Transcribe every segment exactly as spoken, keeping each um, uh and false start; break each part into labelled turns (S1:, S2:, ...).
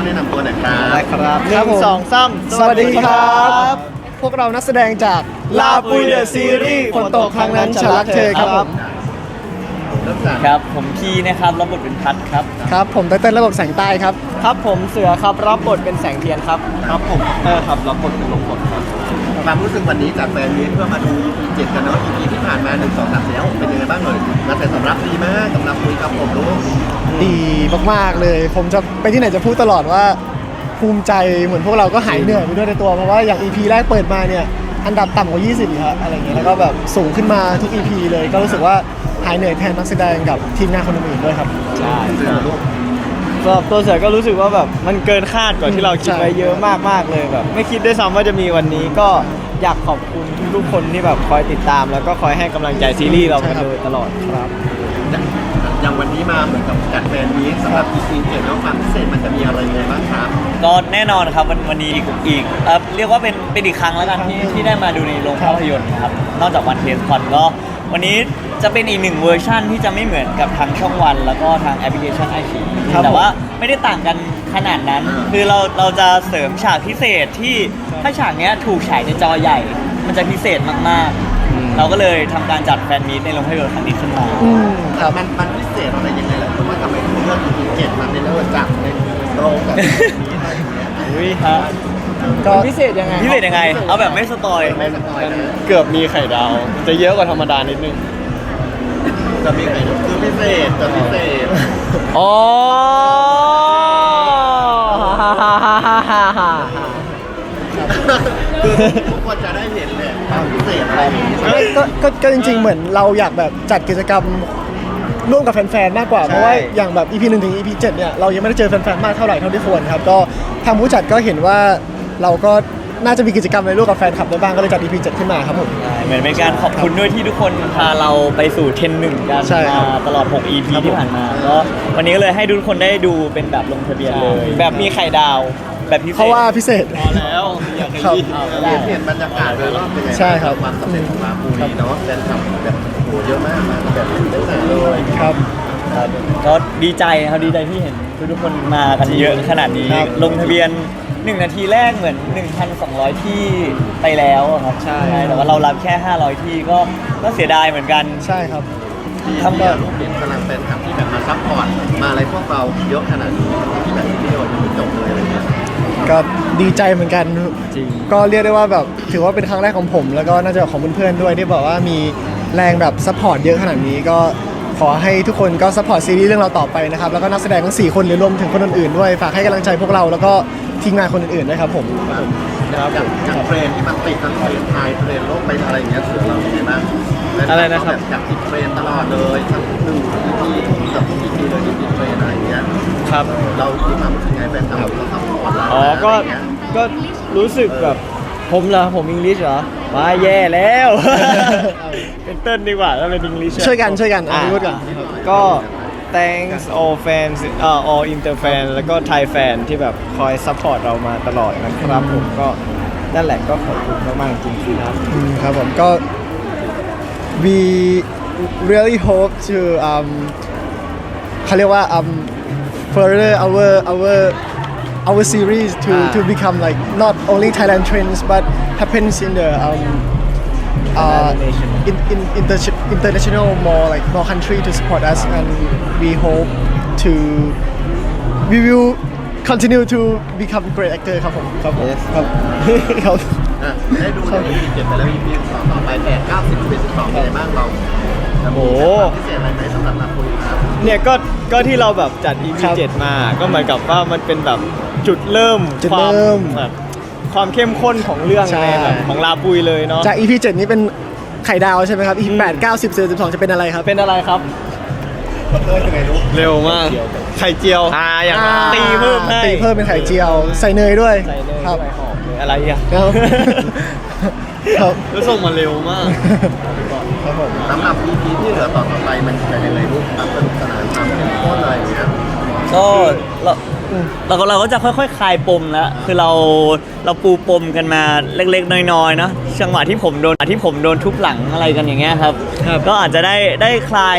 S1: แนะนำตัวหน่อยครับ
S2: ได้ครับห
S3: ครั
S2: นึ่
S3: บ
S2: ง
S3: ผม
S2: สองสาม
S3: สวัสดีครับ พวกเรานักแสดงจากลาปุยเดอะซีรีส์ฝนตกครั้งนั้นฉันรักเธอครับผม
S1: เริ่มจาก
S2: ครับผมคีนะครับรับบทเป็นพัดครับ
S3: ครับผมไตเติ้ลระบบแสงใต้ครับ
S2: ครับผมเสือครับรับบทเป็นแสงเทียนครับ
S1: ครับผม
S2: เออครับรับบทเป็นลมกดครับ
S1: ความรู้สึกวันนี้จากแฟนมีตเพื่อมาดู อี พี เจ็ดกันเนาะ อี พี ที่ผ่านมาหนึ่ง สอง สาม สี่ ห้า หกเป็นยังไงบ้างเลยกระแสตอบรับดีมากสำหรับคุยกับผมลูก
S3: ดีมากๆเลย ผมจะไปที่ไหนจะพูดตลอดว่าภูมิใจเหมือนพวกเราก็หายเหนื่อยไปด้วยในตัวเพราะว่าอย่าง อี พี แรกเปิดมาเนี่ยอันดับต่ำกว่ายี่สิบอีกครับอะไรเงี้ยแล้วก็แบบสูงขึ้นมาทุก อี พี เลยก็รู้สึกว่าหายเหนื่อยแทนนักแสดงกับทีมงานคนอื่นๆด้วยครับ
S2: ใช่
S1: เสือลูก
S2: สำหรับตัวเสือก็รู้สึกว่าแบบมันเกินคาดกว่าที่เราคิด
S3: ใช่
S2: ไว้เยอะมากๆเลยแบบไม่คิดด้วยซ้ำว่าจะมีวันนี้ก็อยากขอบคุณทุกๆคนที่แบบคอยติดตาม แล้วก็คอยให้กำลังใจซีรีส์เรามาโดยตลอดครับ
S1: อย่างวันนี้มาเหมือนกับจัดแฟนมีตสำหรับ อี พี เจ็ดแล้วความพิเศษมันจะมีอะไรยังไงบ้างครับ
S4: ก็แน่นอนครับวันวันนี้อีกอีกเอ่อเรียกว่าเป็นเป็นอีกครั้งแล้วกันที่ที่ได้มาดูในโรงภาพยนตร์นะครับนอกจากวันเทสคอนก็วันนี้จะเป็นอีกหนึ่งเวอร์ชั่นที่จะไม่เหมือนกับทางช่องวัน แล้วก็ทางแอปพลิเคชันไอชี
S3: ครับ
S4: แต่ว่าไม่ได้ต่างกันขนาดนั้น คือเราเราจะเสริมฉากพิเศษที่ถ้าฉากเนี้ยถูกฉายในจอใหญ่ มันจะพิเศษมากๆ เราก็เลยทำการจัดแฟนมีตในโรงภาพยนตร์ครั้งนี้ขึ้นมา
S3: อืมครับ
S1: มันมันพิเศษอะไรยังไงล่ะเพราะว่าทำไมถึงเลือก อี พี เจ็ดมาเป็นเลือกจากในโรงกับมีอะไรอย่างเงี้ย
S2: อุ้ย
S4: ฮะ
S3: ก็
S2: พิเศษยังไง
S4: พิเศษยังไง เอาแบบไม่สปอย
S1: ไม่สปอยนะ
S2: เกือบมีไข่ดาว จะเยอะกว่าธรรมดานิดนึง
S1: จะมีใครคือพิเศษจะพิเศษ
S2: อ๋อ
S1: คือทุกคนจะได้เห็นเลยความพิเศษอะไรอย่างงี้
S3: ไม่ก็ก็ก็จริงๆ เหมือนเราอยากแบบจัดกิจกรรมร่วมกับแฟนๆ มากกว่า เพราะว่าอย่างแบบ อี พี หนึ่งถึง อี พี เจ็ดเนี่ยเรายังไม่ได้เจอแฟนๆ มากเท่าไหร่เท่าที่ควรครับก็ทางผู้จัดก็เห็นว่าเราก็น่าจะมีกิจกรรมในร่วมกับแฟนคลับได้บ้างก็เลยจัด อี พี เจ็ดขึ้นมาครับผม
S4: เหมือนเป็นการขอบคุณด้วยที่ทุกคนพาเราไปสู่เทรนหนึ่งกัน
S3: ใช่ครับ
S4: มาตลอด หก อี พี
S3: ครับผม
S4: ที่ผ่านมาก็วันนี้ก็เลยให้ทุกคนได้ดูเป็นแบบลงทะเบียนเลย
S2: แบบมีไข่ดาว
S4: แบบพิเศษ
S3: เพราะว่าพิเศษ
S2: พอแล้วอยาก
S3: ครับ
S2: รีบ
S1: เปลี่ยนเปลี่ยนบรรยากาศโดยรอบเป็นไง
S3: ใช่ครับ
S1: ความสำเร็จของลาปูรีเนาะแฟนคลับแบบโหเยอะมากมาแบบเต็มหนาเลย
S3: ครับ
S4: ครับก็ดีใจครับดีใจที่เห็นทุกๆคนมากันเยอะขนาดนี้
S3: ครับ
S4: ลงทะเบียนหนึ่งนาทีแรกเหมือน หนึ่งพันสองร้อย ที่ไปแล้วอะครับ
S2: ใช่
S4: แต่ว่าเรารับแค่ ห้าร้อย ที่ก็ก็เสียดายเหมือนกัน
S3: ใช่ครับ
S1: ที่
S3: ทำ
S1: ที่
S3: แบบ
S1: ลูกเห็นกำลังแฟนคลับที่แบบมาซัพพอร์ตมาอะไรพวกเราเยอะขนาดนี้ที่แบบวิดีโอยังไม่จบเลยอะไรเงี้ย
S3: ก็ดีใจเหมือนกัน
S2: จริง
S3: ก็เรียกได้ว่าแบบถือว่าเป็นครั้งแรกของผม แล้วก็น่าจะของเพื่อนๆด้วยที่บอกว่ามีแรงแบบซัพพอร์ตเยอะขนาดนี้ก็ขอให้ทุกคนก็ซัพพอร์ตซีรีส์เรื่องเราต่อไปนะครับแล้วก็นักแสดงทั้งสี่คนหรือรวมถึงคนอื่นๆด้วยฝากให้กำลังใจพวกเราแล้วก็ทีมงานคนอื่นๆด้วยครับผม
S1: อย่างอย่างเทรนที่มันติดทั้งเทรนไทยเทรนโลกไปอะไรอย่างเงี้ยเสือเราเป็นไงบ้าง
S2: อะไรนะครับ
S1: แบบจากติดเทรนตลอดเลยทั้งหนึ่งอีพีกับทุกอีพีเลยที่ติดเทรนอะไรอย่างเงี้ย
S2: ครับ
S1: เรามีความรู้สึกไงแฟนคลับเราซัพพอร์ตเรา
S2: อ๋อ ก็
S1: ะไรย่างเงี้ย
S2: ก็รู้สึกแบบผมเหรอผมอังกฤษเหรอมาแย่แล้ว เป็นเต้นดีกว่าถ้าเป็นอังกฤษ
S3: ช่วยกันช่วยกันอ่ะพูดก่อน
S2: ก็ thanks all fans เอ่อ all inter fan แล้วก็ Thai fan ที่แบบคอย support เรามาตลอดนะครับผมก็นั่นแหละก็ขอบคุณมากๆจริงๆครับ
S3: อืมครับผมก็ we really hope to um เขาเรียกว่า um further our our our series to
S2: อ่า
S3: to become like not only Thailand trends but happens in the um uh in, in inter international more like more country to support us and we hope to we will continue to become great actor ครับผมครับผม
S2: Yes
S3: ครับครับ
S1: อ่ะได้ดูใน อี พี เจ็ดไปแล้ว อี พี สองต่อไปแปดเก้าสิบสิบเอ็ดสิบสองเป็นไงบ้างเราจะมี
S2: โอ้
S1: พิเศษอะไรไหมสำหรับลาปูรีครับ
S2: เนี่ยก็ก็ที่เราแบบจัด อี พี
S3: ครับ
S2: เจ็ดมาก็เหมือนกับว่ามันเป็นแบบจุดเริ่ม
S3: จุด
S2: ความ
S3: เริ่ม
S2: แบบความเข้มข้นของเรื่อง
S3: ใช่
S2: ในแบบของลาปุยเลยเนาะ
S3: จาก อี พี เจ็ดนี้เป็นไข่ดาวใช่ไหมครับ อี พี แปด เก้า สิบ สิบเอ็ด สิบสองจะเป็นอะไรครับ
S2: เป็นอะไรครับ
S1: เออเป็นไงลูก
S2: เร็วมาก ไข่เจียวอ่าอย่าง
S3: อ่า
S2: ตีเพิ่มให้
S3: ตีเพิ่มเป็นไข่เจียว ใส่เนยด้วย
S2: ใส่เลย
S3: ครับ
S2: ใส่หอมเลยอะไรอ่ะ
S3: ครับครับ
S2: แล้วส่งมาเร็วมาก
S3: ครับผม
S1: สำหรับ อี พี ที่เหลือต่อต่อไปมันจะยังไงลูกความสนุกสนานความเข้มข้นอะไรอย่างเงี้ย
S4: ก็เราเราก็เราก็จะค่อยๆ คลายปมแล้วคือเราเราปูปมกันมาเล็กๆ น้อยๆเนาะจังหวะที่ผมโดนที่ผมโดนทุบหลังอะไรกันอย่างเงี้ยครับ
S2: ครับ
S4: ก็อาจจะได้ได้คลาย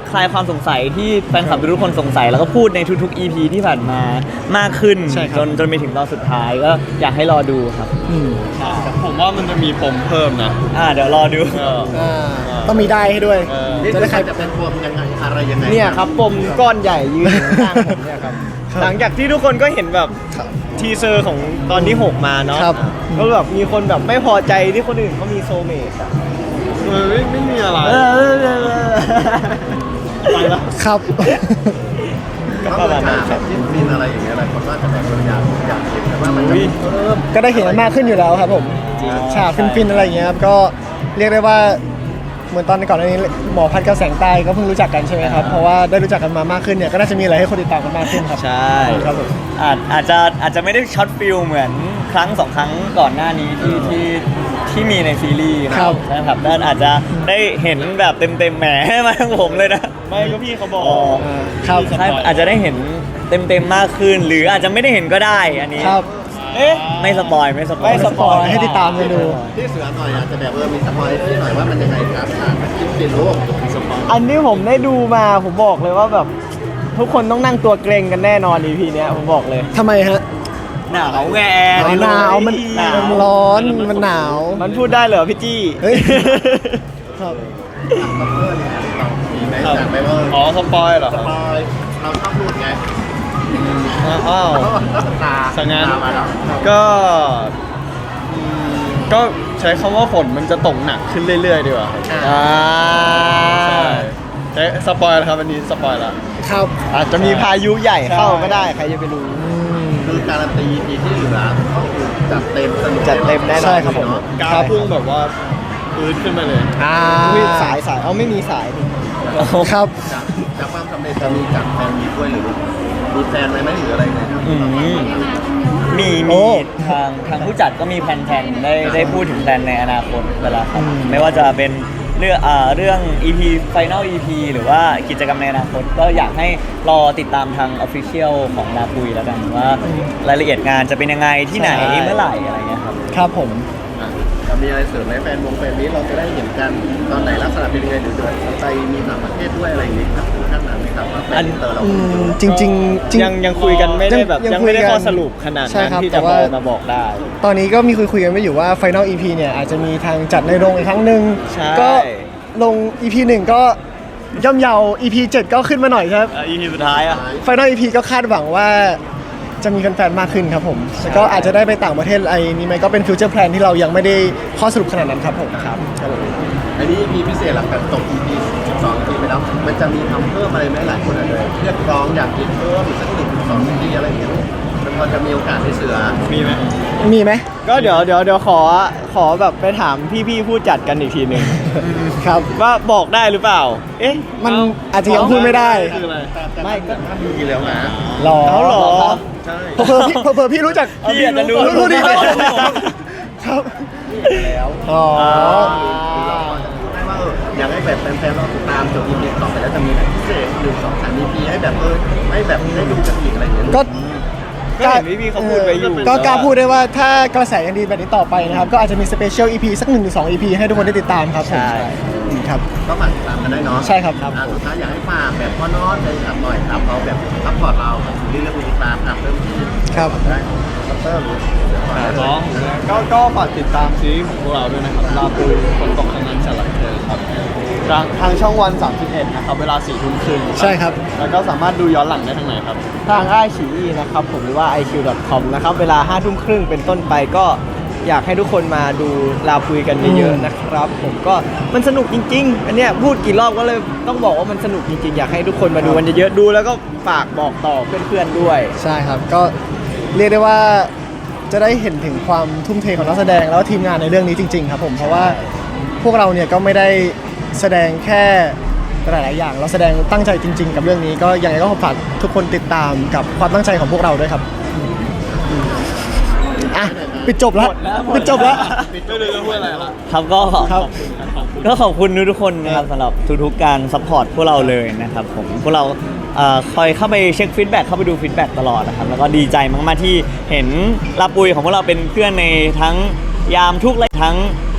S4: คลายความสงสัยที่แฟนคลับทุกคนสงสัยแล้วก็พูดในทุกๆ อี พี ที่ผ่านมามากขึ้น
S3: ใช่ครับ
S4: จนจนไปถึงตอนสุดท้ายก็อยากให้รอดูครับ
S3: อืม
S5: ผมว่ามันจะมีปมเพิ่มนะ
S4: อ่าเดี๋ยวรอดู
S5: เออ
S3: อ่าต้องมีได้ให้ด้วย
S5: เออ
S1: นี่
S3: จะ
S1: จะ
S3: ได้
S1: ได้
S3: ใค
S1: ใค
S3: ร
S1: รจะเป็นปมยังไงอะไรยังไง
S2: เนี่ยครับปมก้อนใหญ่ยืนอยู่ข้างผมเนี่ยครับ
S3: ครับ
S2: หลังจากที่ทุกคนก็เห็นแบบ
S3: ครับ
S2: ทีเซอร์ของตอนที่หกมาเนาะ
S3: ครับ
S2: ก็แบบมีคนแบบไม่พอใจที่คนอื่นเขามีโซลเมตอะ
S5: เออไม่ไม่มีอะไร
S2: เออเออเออเออไปละ
S3: ครับ
S2: ก็
S1: ก็
S2: ป
S1: ประ ระ
S2: มา
S1: มา
S2: ณ
S1: ณ
S2: นั้น
S1: แบ
S2: ครับ
S1: บจิ้นฟินอะไรอย่างเงี้ยอะไรคนว่าจะแบบอยากอยากเห็นแต่ว่ามันจะมีเพิ่ม
S3: ก็ได้เห็นมากขึ้นอยู่แล้วครับผม
S4: จริง
S3: ฉากฟินๆอะไรอย่างเงี้ยครับก็เรียกได้ว่าเหมือนตอนก่อนหน้านี้หมอพัดกับแสงใต้ก็เพิ่งรู้จักกันใช่ไหมครับเพราะว่าได้รู้จักกันมามากขึ้นเนี่ยก็น่าจะมีอะไรให้คนติดตามกันมากขึ้นครับ
S4: ใช่
S3: ครับผม
S4: อาจอาจจะอาจจะไม่ได้ช็อตฟิลเหมือนครั้งสองครั้งก่อนหน้านี้ที่ที่ที่มีในซีรีส์นะครับ นะครับด้านอาจจะได้เห็นแบบเต็มเต็มๆแหมมาทั้งผมเลยนะ
S2: ไม่ก็พี่เขาบอก
S4: อ๋อ
S3: อ่าครับ
S4: ใช่อาจจะได้เห็นเต็มเต็มๆมากขึ้น หรืออาจจะไม่ได้เห็นก็ได้อันนี้
S3: ครับ
S2: เอ๊ะ
S4: ไม่สปอยไม่สปอย
S2: ไม่สปอย
S3: ให้ติดตามกันดู
S1: ที่เสือหน่อยอาจจะแบบเออมีสปอยที่หน่อยว่ามันยังไงครับอ่านจิ้นฟินลูกสปอย
S2: อันนี้ผมได้ดูมาผมบอกเลยว่าแบบทุกคนต้องนั่งตัวเกรงกันแน่นอน อี พี เนี้ยผมบอกเลย
S3: ทำไมฮะ
S4: หนาวแง
S3: หนาวมัน
S4: หนาว
S3: มันร้อนมันหนาว
S2: มันพูดได้เหรอพี่จี้
S3: เฮ้ย ครับ
S1: บัฟเฟอร์เนี่ยเรามีไหมจากไปว่า
S5: อ๋อสปอยเหรอ
S1: ส
S5: ครับ
S1: ปอยเราชอบพูดไง
S5: อ้าว
S1: ตา
S5: สังงาน
S1: ตามาแล้ว
S5: ก็อืมก็ใช้คำว่าฝนมันจะตกหนักขึ้นเรื่อยๆดีกว่าครับ
S2: อ่า
S5: ใช่ใช้สปอยล์แล้วครับอันนี้สปอยล์แล้ว
S3: ครับ
S2: อาจจะมีพายุใหญ่เข้าก็ได้ใครจะไปรู้
S3: อืม
S1: คือการันตี อี พี ที่เหลือก็คือจัดเต็มสนุก
S2: จัดเต็มแน่นอน
S3: ใช่ครับผม
S1: เนาะ
S5: กราฟพุ่งแบบว่าปื๊ดขึ้นมาเลย
S3: อ่า
S2: อุ๊ยสายสายเอาไม่มีสายนี่
S3: ครับ
S1: จากจากความสำเร็จจะมีจากแฟนมีด้วยหรือมีแฟนไหมไหมหรืออะไรไงครับ
S4: อืมมี
S3: โอ้
S4: มีทางทางผู้จัดก็มีแผนๆได้ได้พูดถึงแผนในอนาคตเวลาครับ
S3: อืม
S4: ไม่ว่าจะเป็นเรื่องอ่าเรื่อง อี พี Final อี พี หรือว่ากิจกรรมในอนาคตก็อยากให้รอติดตามทาง Official ของลาปุยแล้วกันว่ารายละเอียดงานจะเป็นยังไงที่ไหน
S2: ใช่
S4: เมื่อไหร่อะไรเงี้ยครับ
S3: ครับผม
S1: อ่ะจะมีอะไรเสริมไหมแฟนวงแฟนนี้เราจะได้เห็นกันตอนไหนลักษณะเป็นยังไงหรือเดินไปมีต่างประเทศด้วยอะไรอย่างนี้ครับถึงขั้นนั้นไหมครับว่าแฟนอินเตอร์เรา
S3: อืมจริงๆจริง
S2: ยังยังคุยกันไม่ได้แบบ
S3: ยัง
S2: ยังไม่ได้
S3: คุยกัน
S2: ข้อสรุปขนาด
S3: ใช่
S2: นั้น
S3: ครับ
S2: ที่
S3: แต่
S2: จะ
S3: ว่า
S2: มามาบอกได้
S3: ตอนนี้ก็มีคุยคุยๆกันไว้อยู่ว่า Final อี พี เนี่ยอาจจะมีทางจัดในโรงอีกครั้งหนึ่ง
S2: ใช่
S3: ก็ลง อี พี หนึ่งก็ย่อมเยา อี พี เจ็ดก็ขึ้นมาหน่อยครับ
S4: อี พี สุดท้ายอ่ะ
S3: Final อี พี ก็คาดหวังว่าจะมีแฟนๆมากขึ้นครับผมแล้วก็อาจจะได้ไปต่างประเทศอะไรนี้ไหมก็เป็นฟิวเจอร์แพลนที่เรายังไม่ได้ข้อสรุปขนาดนั้นครับผมครับ
S1: อันนี้ อี พี พิเศษหลังจากจบ อี พี สิบสอง อี พี ไปแล้วมันจะมีทำเพิ่มอะไรไหมหลายคนอาจจะเรียกร้องอยากกินเพิ่มอีกสักหนึ่งถึงสอง อี พี อะไรอย่างเงี้ยมันพอจะมีโอกาสให้เสือ
S5: มีไหม
S3: มีไหม
S2: ก็เดี๋ยวเดี๋ยวเดี๋ยวขอขอแบบไปถามพี่ๆผู้จัดกันอีกทีหนึ่ง
S3: ครับ
S2: ว่าบอกได้หรือเปล่า เอ๊ะ
S3: มันอาจจะยังพูดไม่ได้
S5: คืออะไร
S1: ไม่ก็มีแล้วนะ
S3: รอ
S2: เขาเหรอ
S1: ใช่
S3: เผื่อๆพี่เผื่อๆพี่รู้จัก
S4: พี่อาจจะรู้
S3: รู้ดีไหมครับ
S1: แล้ว
S3: อ๋อ
S1: เราพอจะพูดได้ว่าเอออยากให้แบบแฟนๆเราติดตามจบ อี พี ต่อไปแล้วจะมีอะไรพิเศษหนึ่งสองสาม อี พี ให้แบบเออให้แบบได้ดูกันอีกอะไรอย่างเงี้ย
S3: ก็
S2: ก็เห็นพี่ๆเขาพูดไว้อยู่
S3: ก็กล้าพูดได้ว่าถ้ากระแสยังดีแบบนี้ต่อไปนะครับ ก็อาจจะมีสเปเชียล อี พี สักหนึ่งถึงสอง อี พี ให้ทุกคนได้ติดตามครับผม
S4: ใช่
S3: อืมครับ
S1: ก็ฝากติดตามกันได้เนาะ
S3: ใช่ครับ
S1: อ่ะสุดท้ายอยากให้ฝากแบบพ่อน้องเลยครับหน่อยครับเขาแบบซัพพอร์ตเราครับซีรีส์เรื่องติดตามครับเริ่มที่
S3: ครับ
S1: ได้ซัพเตอร์หรือเดี๋ยวก่อนได้เลย
S5: น้องก็ก็ฝากติดตามซีรีส์ของพวกเราด้วยนะครับลาปุยฝนตกครั้งนั้นฉันรักเธอครับทางทางช่องวันสามสิบเอ็ดนะครับเวลาสี่ทุ่มครึ่ง
S3: ใช่ครับ
S5: แล้วก็สามารถดูย้อนหลังได้ทางไหนครับ
S2: ทางไอฉีอีนะครับผมหรือว่า ไอ คิว ดอท คอม นะครับ เวลาห้าทุ่มครึ่งเป็นต้นไปก็อยากให้ทุกคนมาดูลาคุยกันเยอะๆนะครับ ผมก็มันสนุกจริง ๆ อันเนี้ยพูดกี่รอบก็เลยต้องบอกว่ามันสนุกจริงๆ อยากให้ทุกคนมาดูกันเยอะๆดูแล้วก็ฝากบอกต่อเพื่อนๆด้วย
S3: ใช่ครับ ก็เรียกได้ว่าจะได้เห็นถึงความทุ่มเทของนักแสดงแล้วก็ทีมงานในเรื่องนี้จริงๆครับผม เพราะว่าพวกเราเนี่ยก็ไม่ได้แสดงแค่หลายๆอย่าง เราแสดงตั้งใจจริง ๆ กับเรื่องนี้ ก็ยังไงก็ฝากทุกคนติดตามกับความตั้งใจของพวกเราด้วยครับอืมอ่ะปิดจบแล้วปิดจบแล้ว
S5: ไม่รู้จะพูดอะไรละ
S4: ครับก็
S3: ครับ
S4: ก็ขอบคุณทุกๆคนนะครับสำหรับทุกๆการซัพพอร์ตพวกเราเลยนะครับผมพวกเราเอ่อคอยเข้าไปเช็คฟีดแบ็กเข้าไปดูฟีดแบ็กตลอดนะครับแล้วก็ดีใจมากๆที่เห็นลาปุยของพวกเราเป็นเพื่อนในทั้งยามทุกข์และทั้ง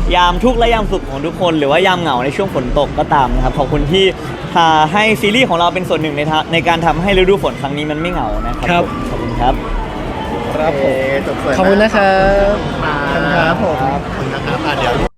S4: ยามทุกข์และยามสุขของทุกคนหรือว่ายามเหงาในช่วงฝนตกก็ตามนะครับขอบคุณที่พาให้ซีรีส์ของเราเป็นส่วนหนึ่งในทะในการทำให้ฤดูฝนครั้งนี้มันไม่เหงานะครับ
S2: ครับ
S4: ผมขอบคุณครับ
S3: ครับผม
S1: โอเคจบสวย
S3: ขอบคุณนะครับ
S1: ขอบคุณครับผมขอบคุณนะครับอ่ะเดี๋ยว